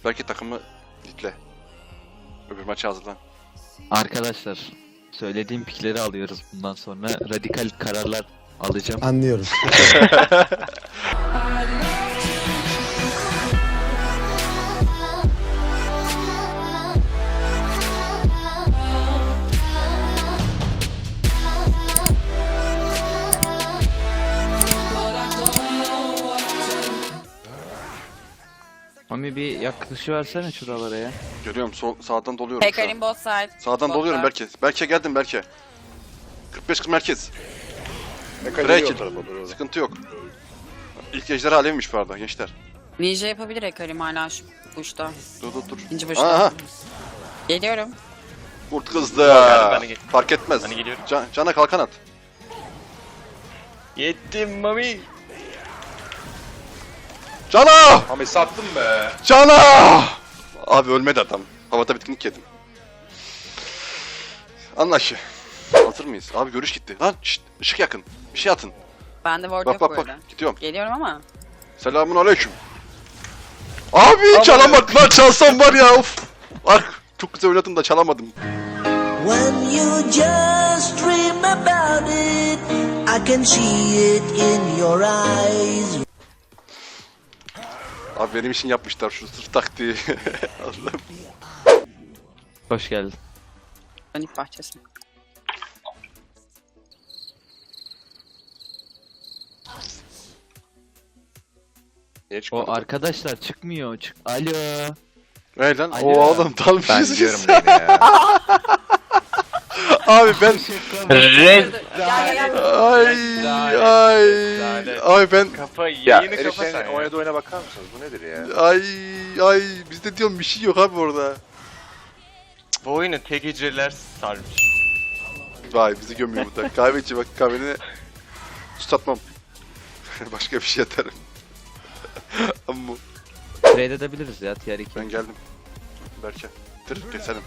Belki takımı litle. Öbür maça hazırlan. Arkadaşlar, söylediğim pikleri alıyoruz bundan sonra. Radikal kararlar alacağım. Anlıyorum. Mami bir yaklaşıversene şuralara ya. Görüyorum sağdan doluyorum şu Pekarin an. both side. Sağdan doluyorum Berke. Berke geldim Berke. 45-40 merkez. Mekanik Break. o tarafa doğru. Sıkıntı yok. İlk ejderha alevmiş bu arada gençler. Ninja yapabilir Hekarim hala şu uçta. Dur. İkinci başta. Aha. Geliyorum. Kurt kızdı. Ben de Fark etmez. Ben de geliyorum. Cana kalkan at. Yettim mami. Cana! Mami sattım be. Cana! Abi ölmedi adam. Havada bitkinlik yedim. Anlaşı. Hazır mıyız? Abi görüş gitti. Lan şşt, ışık yakın. Bir şey atın. Bende ward Bak yok bak bu arada. bak. Gidiyorum. Geliyorum ama. Selamun aleyküm. Abi çalamadım lan, çalsam var ya, of. Bak çok güzel oynadım da çalamadım. When you just dream about it, I can see it in your eyes. Abi benim için yapmışlar şu sırf taktiği. Allah'ım. Hoş geldin. Dönük bahçesi. Niye çıkmadı? O arkadaşlar çıkmıyor. Alo. Hey lan, Alo. oğlum Ben dalmışız gidiyorum biz. beni ya. Abi ben Red. Gel. Ay ben Kafa Ya yayını kapa sen Erişen'in ya. oynadığı oyuna bakar mısınız? Bu nedir ya? ay bizde diyorum bir şey yok abi orada. Bu oyunu tek hücreler sarmış. Vay bizi gömüyor bu da. Kahveci bak, kahveni tutmam. Başka bir şey atarım. Amma Trade edebiliriz ya tier 2. ben geldim. Berke. Dur keselim.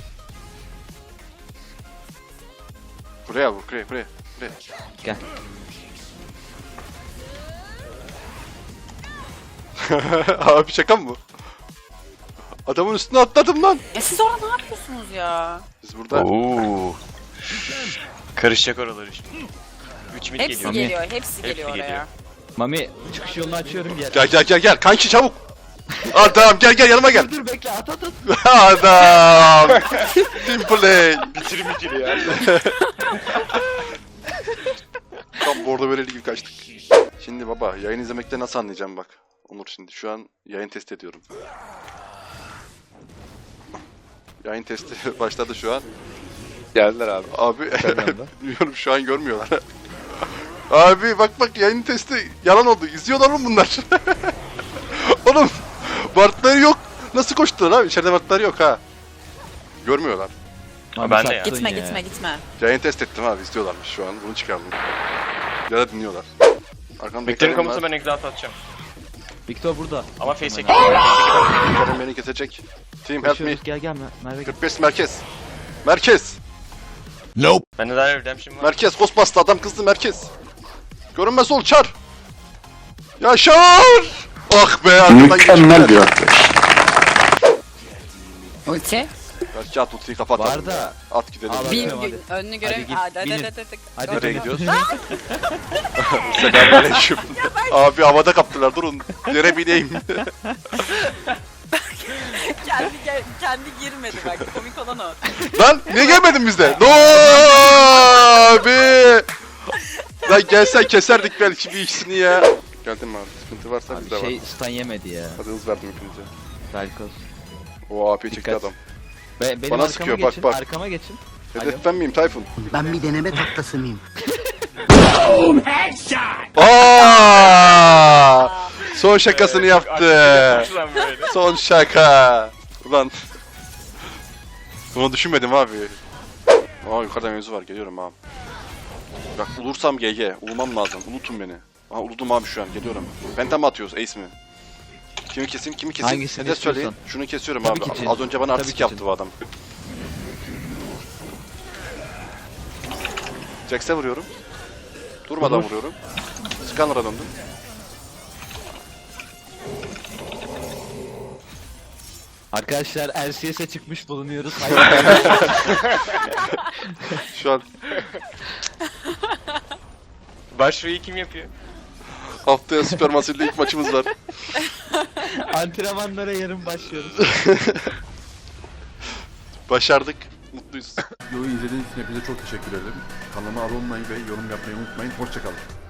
Buraya vur, buraya. Gel. Abi şaka mı bu? Adamın üstüne atladım lan. Siz orada ne yapıyorsunuz ya? Biz burada Oo. Karışacak oraları şimdi. 3 mil Hepsi geliyor. geliyor. Hepsi geliyor geliyor. oraya. Mami çıkış yolunu açıyorum gel. gel kanki çabuk. Adam gel yanıma gel. Dur bekle at. Adam. Team play. Bitirim ikili ya. Tam bordo vereli gibi kaçtık. Şimdi baba yayın izlemekte nasıl anlayacağım bak. Onur şimdi şu an yayın test ediyorum. Yayın testi başladı şu an. Geldiler abi. Abi bilmiyorum şu an görmüyorlar. Abi bak yayın testi yalan oldu. İzliyorlar mı bunlar? Oğlum Bartları yok. Nasıl koştular abi? İçeride Bartları yok ha. Görmüyorlar. Mami Ben de ya. sattın Gitme. Yayın test ettim abi, izliyorlarmış şu an. Bunu çıkardım. Ya da dinliyorlar. Arkamda Beklerin Karim komutu var. ben exalt atacağım. Victor burada. Ama face çekeyim. Karim beni kesecek. Team help me. Koşuyoruz, gel Merve gel. 45 merkez. Bende daha redemption var. Merkez Ghostbusters, adam kızdı merkez. Görünmez ol çar. Yaşar. Ah be arkadan mükemmel bir Ulti. Belki at ultiyi kapat. Var da. At gidelim. Al, Bin hadi. gün önünü görev. git, binin. Hadi Nereye binin. gidiyoruz? Selamünaleyküm. Abi havada kaptılar, durun. Yere bineyim. kendi girmedi bak. Komik olan o. Lan niye gelmedin bizde? No abi. Lan gelsen keserdik belki bir ikisini ya. Geldim abi, sıkıntı varsa Abi bizde var. şey stun yemedi ya. Hadi hız verdim hepinize. Belki olsun. O AP çekti Dikkat. adam. Benim Bana arkama sıkıyor, geçin. bak. Arkama geçin. Hedef ben miyim Tayfun? Ben bir deneme tahtası mıyım? Aa! Son şakasını yaptı. Lan böyle. Son şaka. Ulan. Bunu düşünmedim abi. Aa yukarıda mevzu var, geliyorum abi. Bak ulursam GG. Ulumam lazım. Ulutun beni. Aa uludum abi şu an, geliyorum. Penta mı atıyoruz, ace mi? Kimi keseyim? Hangisini Hedef söyleyin. istiyorsan. Şunu kesiyorum Tabii abi. ki Cin. Az önce bana Tabii artistik ki yaptı Cin. bu adam. Jax'e vuruyorum. Durmadan Vur. vuruyorum. Scanner'a döndüm. Arkadaşlar LCS'e çıkmış bulunuyoruz. Şu an Başvuruyu kim yapıyor? haftaya Supermassive'de ilk maçımız var. Antrenmanlara yarın başlıyoruz. Başardık. Mutluyuz. Videoyu izlediğiniz için hepinize çok teşekkür ederim. Kanalıma abone olmayı ve yorum yapmayı unutmayın. Hoşçakalın.